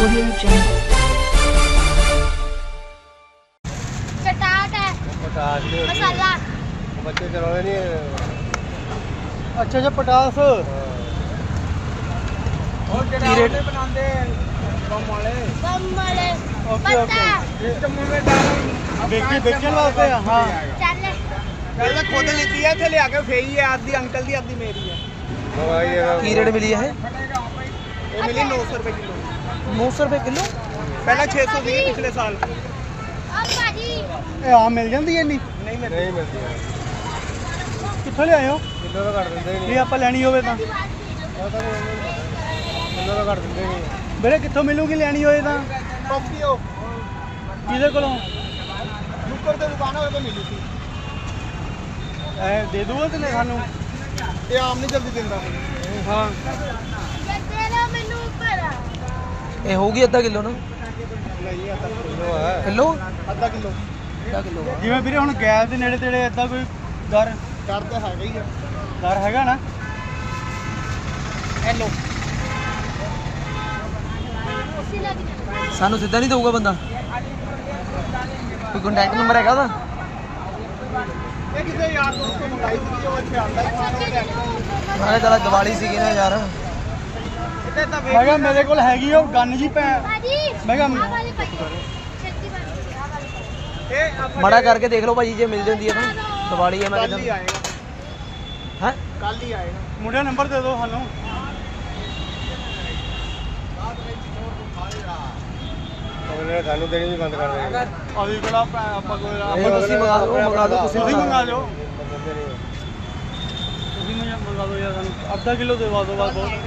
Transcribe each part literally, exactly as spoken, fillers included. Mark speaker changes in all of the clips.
Speaker 1: Audio Jungle.
Speaker 2: चटाट है
Speaker 3: पटास नहीं होती।
Speaker 2: मसाला
Speaker 3: बच्चे चलाने नहीं।
Speaker 4: अच्छा अच्छा पटास
Speaker 3: हाँ।
Speaker 4: और रेट
Speaker 3: बनाते बम वाले।
Speaker 2: बम वाले
Speaker 4: ओके ओके
Speaker 2: पत्ता
Speaker 4: बेचे बेचने वास्ते हाँ
Speaker 2: चल
Speaker 5: ਪਹਿਲਾਂ ਖੁਦ ਲਿੱਤੀ ਹੈ ਇੱਥੇ ਲਿਆ ਕੇ ਫੇਈ ਹੈ ਆਦੀ ਅੰਕਲ ਦੀ ਆਦੀ ਮੇਰੀ ਹੈ
Speaker 4: ਕੀ ਰੇਟ ਮਿਲੀ ਹੈ
Speaker 5: ਇਹ ਮਿਲੀ ਨੌ ਸੌ ਰੁਪਏ ਕਿਲੋ
Speaker 4: ਨੌ ਸੌ ਰੁਪਏ ਕਿਲੋ
Speaker 5: ਪਹਿਲਾਂ ਛੇ ਸੌ ਸੀ ਪਿਛਲੇ ਸਾਲ
Speaker 2: अब भाजी
Speaker 4: ਇਹ ਆਮ ਮਿਲ ਜਾਂਦੀ ਹੈ ਇੰਨੀ
Speaker 5: ਨਹੀਂ ਮਿਲਦੀ
Speaker 3: नहीं मिलती है।
Speaker 4: ਕਿੱਥੋਂ ਲਿਆਏ ਹੋ
Speaker 3: किलो तो घट देंगे
Speaker 4: ਜੇ ਆਪਾਂ ਲੈਣੀ ਹੋਵੇ ਤਾਂ
Speaker 3: पता नहीं किलो तो घट देंगे नहीं।
Speaker 4: ਵੀਰੇ ਕਿੱਥੋਂ ਮਿਲੂਗੀ ਲੈਣੀ ਹੋਏ ਤਾਂ
Speaker 5: ਟੋਕੀਓ
Speaker 4: ਕਿਹਦੇ ਕੋਲੋਂ
Speaker 5: ਨੁੱਕਰ ਤੇ ਦੁਕਾਨ ਹੋਵੇ ਤਾਂ ਮਿਲੀ ਸੀ
Speaker 4: ਐ ਦੇ ਦੂਗਾ ਤੇ ਸਾਨੂੰ
Speaker 5: ਇਹ ਆਮ ਨਹੀਂ ਜਲਦੀ ਦਿੰਦਾ
Speaker 4: ਹਾਂ
Speaker 2: तेरा मेनू ऊपर आ
Speaker 4: ਇਹ ਹੋਊਗੀ ਅੱਧਾ ਕਿਲੋ ਨਾ
Speaker 5: ਨਹੀਂ ਅੱਧਾ
Speaker 3: किलो है।
Speaker 4: ਕਿਲੋ
Speaker 5: ਅੱਧਾ ਕਿਲੋ
Speaker 4: ਅੱਧਾ ਕਿਲੋ ਜਿਵੇਂ ਵੀਰੇ ਹੁਣ ਗੈਸ ਦੇ ਨੇੜੇ ਤੇੜੇ ਏਦਾਂ ਕੋਈ ਦਰ
Speaker 5: ਕਰ ਤਾਂ ਹੈਗਾ ਹੀ ਆ
Speaker 4: ਦਰ ਹੈਗਾ ਨਾ
Speaker 5: ਹੈਲੋ
Speaker 2: उसी लग
Speaker 4: ਸਾਨੂੰ ਸਿੱਧਾ ਨਹੀਂ ਦਊਗਾ ਬੰਦਾ ਕੋਈ ਕੰਟੈਕਟ ਨੰਬਰ ਹੈਗਾ ਉਹਦਾ
Speaker 5: ਇਹ ਕਿਸੇ ਯਾਰ ਦੋਸਤ ਤੋਂ ਮੰਗਾਈ ਸੀ ਉਹ ਇੱਥੇ ਆਉਂਦਾ ਹੀ ਖਾਣ ਵਾਲੇ
Speaker 4: ਨਾਲੇ ਚਲਾ ਦੀਵਾਲੀ ਸੀਗੀ ਨਾ ਯਾਰ
Speaker 5: ਇੱਥੇ ਤਾਂ
Speaker 4: ਮੈਂ ਕਿਹਾ ਮੇਰੇ ਕੋਲ ਹੈਗੀ ਉਹ ਗੰਨ ਜੀ ਪੈ
Speaker 2: भाजी
Speaker 4: मैं क्या-
Speaker 2: आ वाली भाजी छत्ती वाली आ वाली
Speaker 5: ਇਹ ਆਪਾਂ
Speaker 4: ਮਾੜਾ ਕਰਕੇ ਦੇਖ ਲਓ ਭਾਜੀ ਜੇ ਮਿਲ ਜਾਂਦੀ ਹੈ ਤਾਂ ਦੀਵਾਲੀ ਹੈ ਮੈਂ
Speaker 5: ਕੱਲ ਹੀ
Speaker 4: ਕਹਿੰਦਾ
Speaker 5: ਆਏਗਾ
Speaker 4: ਹੈ
Speaker 5: ਕੱਲ ਹੀ ਆਏਗਾ
Speaker 4: ਮੁੰਡਾ ਨੰਬਰ ਦੇ ਦਿਓ ਸਾਨੂੰ
Speaker 3: उन्होंने थानू देनी भी बंद कर देंगे।
Speaker 4: ਅਸੀਂ ਕੋਲ ਆਪਾਂ ਕੋਈ ਇਹ ਤੁਸੀਂ ਮੰਗਾ ਦਿਓ ਮੰਗਾ ਦਿਓ ਤੁਸੀਂ ਤੁਸੀਂ ਮੰਗਾ ਲਿਓ
Speaker 3: बंदे नहीं।
Speaker 4: ਤੁਸੀਂ ਮੈਨੂੰ ਮੰਗਾ ਦਿਓ ਯਾਰ ਸਾਨੂੰ ਅੱਧਾ ਕਿਲੋ ਦੇਵਾ ਦਿਓ ਬਸ ਬਹੁਤ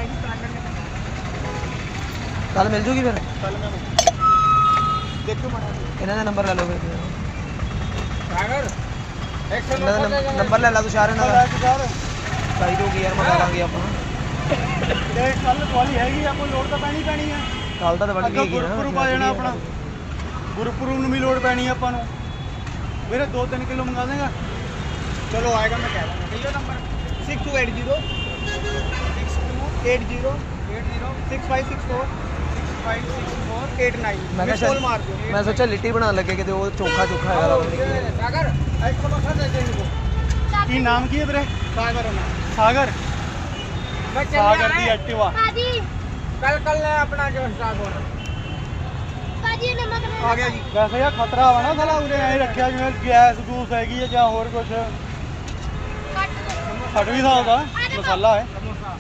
Speaker 4: ਕੱਲ ਮਿਲ ਜੂਗੀ ਫਿਰ
Speaker 5: ਕੱਲ ਮੈਂ ਦੇਖੋ ਮਾੜਾ
Speaker 4: ਇਹਨਾਂ ਦਾ ਨੰਬਰ ਲੈ ਲਓ ਫਿਰ
Speaker 5: ਸਾਗਰ
Speaker 4: ਇਹਨਾਂ ਦਾ ਨੰਬਰ ਲੈ ਲਾ ਤੂੰ ਸ਼ਾਰ ਇਹਨਾਂ ਦਾ ਚਾਹੀਦੀ ਹੋਗੀ ਯਾਰ ਮੰਗਾ ਲਾਂਗੇ ਆਪਾਂ ਤੇ ਕੱਲ ਵਾਲੀ ਹੈਗੀ ਆਪਾਂ ਲੋੜ ਤਾਂ ਪੈਣੀ ਪੈਣੀ ਆ ਕੱਲ ਤਾਂ ਬਣ ਅੱਗੇ ਗਈ ਨਾ ਗੁਰਪੁਰਬ ਆ ਜਾਣਾ ਆਪਣਾ ਗੁਰਪੁਰਬ ਨੂੰ ਵੀ ਲੋੜ ਪੈਣੀ ਆ ਆਪਾਂ ਨੂੰ ਵੀਰੇ ਦੋ ਤਿੰਨ ਕਿਲੋ ਮੰਗਾ ਦੇਗਾ
Speaker 5: ਚਲੋ ਆਏਗਾ ਮੈਂ ਕਹਿ ਦਾਂਗਾ ਕਿਲੋ number six two eight zero six two eight zero eight zero six five six four six five six four eight nine
Speaker 4: ਮੈਂ ਕਿਹਾ
Speaker 5: कॉल
Speaker 4: ਸ਼ਾਇਦ-
Speaker 5: मार दो
Speaker 4: ਮੈਂ ਸੋਚਿਆ ਲਿੱਟੀ ਬਣਾਉਣ ਲੱਗੇ ਕਿਤੇ ਉਹ ਚੋਖਾ ਚੋਖਾ ਹੈਗਾ ਲੱਗਦਾ
Speaker 5: सागर एक समोसा दे दे इनको
Speaker 4: ਕੀ ਨਾਮ ਕੀ ਹੈ ਵੀਰੇ
Speaker 5: सागर होना
Speaker 4: ਸਾਗਰ
Speaker 5: मैं
Speaker 4: ਸਾਗਰ ਦੀ ਐਕਟਿਵਾ
Speaker 2: भाजी
Speaker 5: कल कल अपना जो स्टार्ट होना
Speaker 2: भाजी नमक
Speaker 5: आ गया जी
Speaker 4: ਵੈਸੇ ਯਾਰ ਖਤਰਾ ਵਾ ਨਾ ਸਾਲਾ ਉਰੇ ਐ ਰੱਖਿਆ ਜਿਵੇਂ ਗੈਸ ਗੂਸ ਹੈਗੀ ਹੈ ਜਾਂ ਹੋਰ ਕੁਝ
Speaker 2: काट दो
Speaker 4: ਫਟ ਵੀ ਸਕਦਾ ਮਸਾਲਾ ਹੈ
Speaker 5: समोसा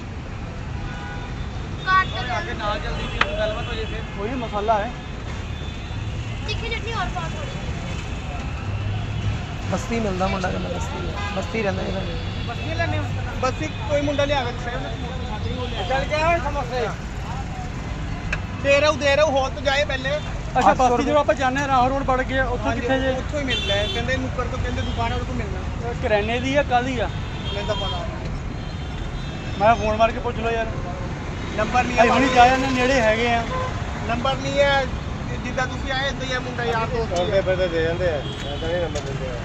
Speaker 2: काट दो
Speaker 5: आगे ना जल्दी की गलबात हो जैसे
Speaker 4: ਕੋਈ ਮਸਾਲਾ ਹੈ
Speaker 2: तीखी चटनी और पाव थोड़ी
Speaker 4: ਬਸਤੀ ਮਿਲਦਾ ਮੁੰਡਾ ਕਹਿੰਦਾ ਬਸਤੀ ਹੈ ਬਸਤੀ ਰਹਿੰਦਾ ਇਹਦਾ
Speaker 5: बस ये लेने बस एक कोई मुंडा ले आवे चल गया है समोसे दे रहा हूं दे रहा हूं हो तो जाए पहले
Speaker 4: ਅੱਛਾ ਬਸਤੀ ਜਦੋਂ ਆਪਾਂ ਜਾਂਦੇ ਹਾਂ ਰਾਹ ਰੋਡ ਵੜ ਕੇ ਉੱਥੋਂ ਕਿੱਥੇ ਜੇ
Speaker 5: ਉੱਥੋਂ ਹੀ ਮਿਲਦਾ ਹੈ ਕਹਿੰਦੇ ਨੁੱਕਰ ਤੋਂ ਕਹਿੰਦੇ ਦੁਕਾਨ ਵਾਲੇ ਤੋਂ ਮਿਲਣਾ
Speaker 4: ਕਰਿਆਨੇ ਦੀ ਆ ਕਾਹਦੀ ਆ
Speaker 5: ਮੈਨੂੰ ਤਾਂ ਪਤਾ
Speaker 4: ਮੈਂ ਫੋਨ ਮਾਰ ਕੇ ਪੁੱਛ ਲਓ ਯਾਰ
Speaker 5: ਨੰਬਰ ਨਹੀਂ
Speaker 4: ਅਸੀਂ ਹੁਣੀ ਜਾ ਜਾਂਦੇ ਨੇੜੇ ਹੈਗੇ ਆ
Speaker 5: ਨੰਬਰ ਨਹੀਂ ਹੈ ਜਿੱਦਾਂ ਤੁਸੀਂ ਆਏ ਇਦਾਂ ਹੀ ਹੈ ਮੁੰਡਾ ਯਾਰ ਦੋਸਤ ਹੀ
Speaker 3: उनके
Speaker 5: ਹੈ
Speaker 3: पे तो दे देंगे ऐसा नहीं नंबर देते हैं।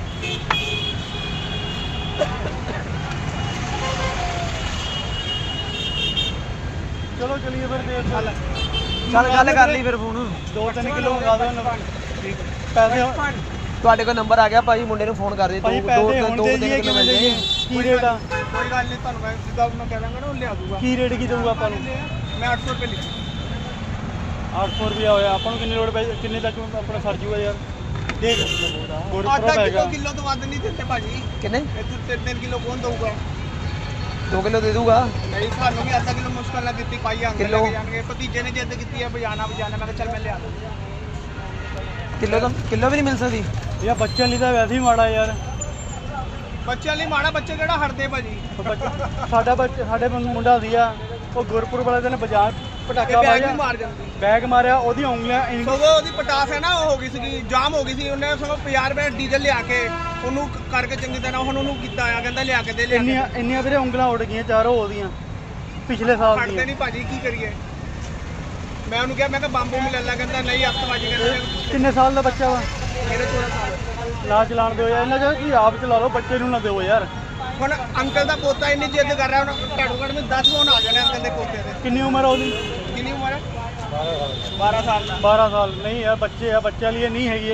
Speaker 4: ਚਲੋ ਚਲੀਏ ਫਿਰ ਦੇਖ ਚੱਲ
Speaker 6: ਚੱਲ ਗੱਲ ਕਰ ਲਈ ਫਿਰ ਫੋਨ
Speaker 4: ਦੋ ਤਿੰਨ ਕਿਲੋ ਮੰਗਾ ਦਿਓ ਪੈਸੇ
Speaker 6: ਤੁਹਾਡੇ ਕੋਲ ਨੰਬਰ ਆ ਗਿਆ ਭਾਜੀ ਮੁੰਡੇ ਨੂੰ ਫੋਨ ਕਰ ਦੇ
Speaker 4: ਭਾਈ
Speaker 6: ਦੋ
Speaker 4: ਪੈਸੇ
Speaker 6: ਦੋ
Speaker 4: ਹੁਣ
Speaker 6: ਦੋ
Speaker 4: ਦੇ
Speaker 6: ਤਿੰਨ
Speaker 4: ਦਈਏ
Speaker 6: ਕਿਲੋ
Speaker 4: ਕਿਵੇਂ
Speaker 6: ਮਿਲ
Speaker 4: ਦੇਈਏ
Speaker 6: ਜਾਏ
Speaker 4: ਕੀ ਰੇਟ ਆ
Speaker 5: ਕੋਈ ਗੱਲ ਨਹੀਂ ਤੁਹਾਨੂੰ ਮੈਂ ਜਿੱਦਾਂ ਮੈਂ ਕਹਿ ਦਾਂਗਾ ਨਾ ਉਹ ਲਿਆ ਦੂਗਾ
Speaker 4: ਕੀ ਰੇਟ ਕੀ ਦਊਗਾ ਆਪਾਂ ਨੂੰ
Speaker 5: ਮੈਂ ਅੱਠ ਸੌ ਰੁਪਏ ਲਿਖੀ
Speaker 4: ਅੱਠ ਸੌ ਰੁਪਇਆ ਹੋਇਆ ਆਪਾਂ ਨੂੰ ਕਿੰਨੀ ਲੋੜ ਪੈ ਕਿੰਨੇ ਤੱਕ ਆਪਣਾ ਸਰ ਜੂਗਾ ਯਾਰ ਦੇਖ ਗੁਰਪੁਰਬ
Speaker 5: ਅੱਧਾ ਕਿਲੋ
Speaker 4: ਹੈਗਾ
Speaker 5: ਕਿਲੋ ਤੋਂ ਵੱਧ ਨਹੀਂ ਦਿੰਦੇ ਭਾਜੀ
Speaker 6: ਕਿੰਨੇ
Speaker 5: ਇਹ ਤੋਂ ਤਿੰਨ ਤਿੰਨ ਕਿਲੋ ਕੌਣ ਦਊਗਾ
Speaker 6: ਦੋ ਕਿਲੋ ਦੇ ਦੂਗਾ
Speaker 5: ਨਹੀਂ ਸਾਨੂੰ ਵੀ ਅੱਧਾ ਕਿਲੋ ਮੁਸ਼ਕਲ ਨਾਲ ਦਿੱਤੀ ਪਾਈ ਆਂਗੇ
Speaker 6: ਕਿੱਲੋ?
Speaker 5: ਲੈ ਕੇ ਜਾਣਗੇ ਭਤੀਜੇ ਨੇ ਜਿੱਦ ਕੀਤੀ ਹੈ ਬਜਾਣਾ ਬਜਾਣਾ ਮੈਂ ਕਿਹਾ ਚੱਲ ਮੈਂ ਲਿਆ ਦੂੰਗਾ
Speaker 6: ਕਿਲੋ ਤਾਂ ਕਿਲੋ ਵੀ ਨਹੀਂ ਮਿਲ ਸਕਦੀ
Speaker 4: ਯਾਰ ਬੱਚਿਆਂ ਲਈ ਤਾਂ ਵੈਸੇ ਹੀ ਮਾੜਾ ਯਾਰ
Speaker 5: ਬੱਚਿਆਂ ਲਈ ਮਾੜਾ ਬੱਚੇ ਕਿਹੜਾ ਹਟਦੇ ਭਾਜੀ
Speaker 4: ਬੱਚਾ- ਸਾਡਾ ਬੱਚਾ ਸਾਡੇ ਮੁੰਡਾ ਸੀ ਆ ਉਹ ਗੁਰਪੁਰਬ ਵਾਲੇ ਦਿਨ ਬਾਜ਼ਾਰ
Speaker 5: ਇਹ
Speaker 4: ਪਟਾਕਾ
Speaker 5: ਬੈਗ ਵੀ
Speaker 4: ਮਾਰਿਆ
Speaker 5: ਮਾਰ ਜਾਂਦੀ
Speaker 4: ਬੈਗ ਮਾਰਿਆ ਉਹਦੀਆਂ ਉਂਗਲੀਆਂ ਇੰਜ-
Speaker 5: ਸਗੋਂ ਉਹਦੀ ਪਟਾਸ ਹੈ ਨਾ ਉਹ ਹੋ ਗਈ ਸੀਗੀ ਜਾਮ ਹੋ ਗਈ ਸੀ ਉਹਨੇ ਸਗੋਂ ਪੰਜਾਹ ਰੁਪਏ ਡੀਜ਼ਲ ਲਿਆ ਕੇ ਉਹਨੂੰ ਕ- ਕਰਕੇ ਚੰਗੀ ਤਰ੍ਹਾਂ ਹੁਣ ਉਹਨੂੰ ਕੀਤਾ ਆ ਕਹਿੰਦਾ ਲਿਆ ਕੇ ਦੇ ਲਿਆ ਕੇ
Speaker 4: ਇੰਨੀਆਂ ਇੰਨੀਆਂ ਵੀਰੇ ਉਂਗਲਾਂ ਉੱਡ ਗਈਆਂ ਚਾਰੋਂ ਉਹਦੀਆਂ ਪਿਛਲੇ ਸਾਲ
Speaker 5: ਹਟਦੇ
Speaker 4: ਦੀਆਂ
Speaker 5: ਨਹੀਂ ਭਾਜੀ ਕੀ ਕਰੀਏ ਮੈਂ ਉਹਨੂੰ ਕਿਹਾ ਮੈਂ ਕਿਹਾ ਬੰਬੂ ਮਿਲ ਲੈ ਕਹਿੰਦਾ ਨਹੀਂ ਅੱਤਵਾਜੀ ਕਹਿੰਦਾ
Speaker 4: ਕਿੰਨੇ ਸਾਲ ਦਾ ਬੱਚਾ ਵਾ
Speaker 5: ਮੇਰੇ ਚੌਦਾਂ ਸਾਲ
Speaker 4: ਨਾ ਚਲਾਣ ਦਿਓ ਯਾਰ ਇਹਨਾਂ ਚ ਕੀ ਆਪ ਚਲਾ ਲਓ ਬੱਚੇ ਨੂੰ ਨਾ ਦਿਓ ਯਾਰ
Speaker 5: ਹੁਣ ਅੰਕਲ ਦਾ ਪੋਤਾ ਇੰਨੀ ਜਿੱਦ ਕਰ ਰਿਹਾ ਹੁਣ ਘੱਟੋ ਘੱਟ ਮੈਂ ਦਸ ਫੋਨ ਆ ਜਾਣੇ ਅੰਕਲ ਦੇ ਪੋਤੇ ਦੇ
Speaker 4: ਕਿੰਨੀ ਉਮਰ ਆ ਉਹਦੀ
Speaker 5: ਕਿੰਨੀ ਉਮਰ ਹੈ ਬਾਰਾਂ ਸਾਲ ਦਾ
Speaker 3: ਬਾਰਾਂ ਸਾਲ ਨਹੀਂ ਹੈ ਬੱਚੇ ਆ ਬੱਚਿਆਂ ਲਈ ਇਹ ਨਹੀਂ ਹੈਗੀ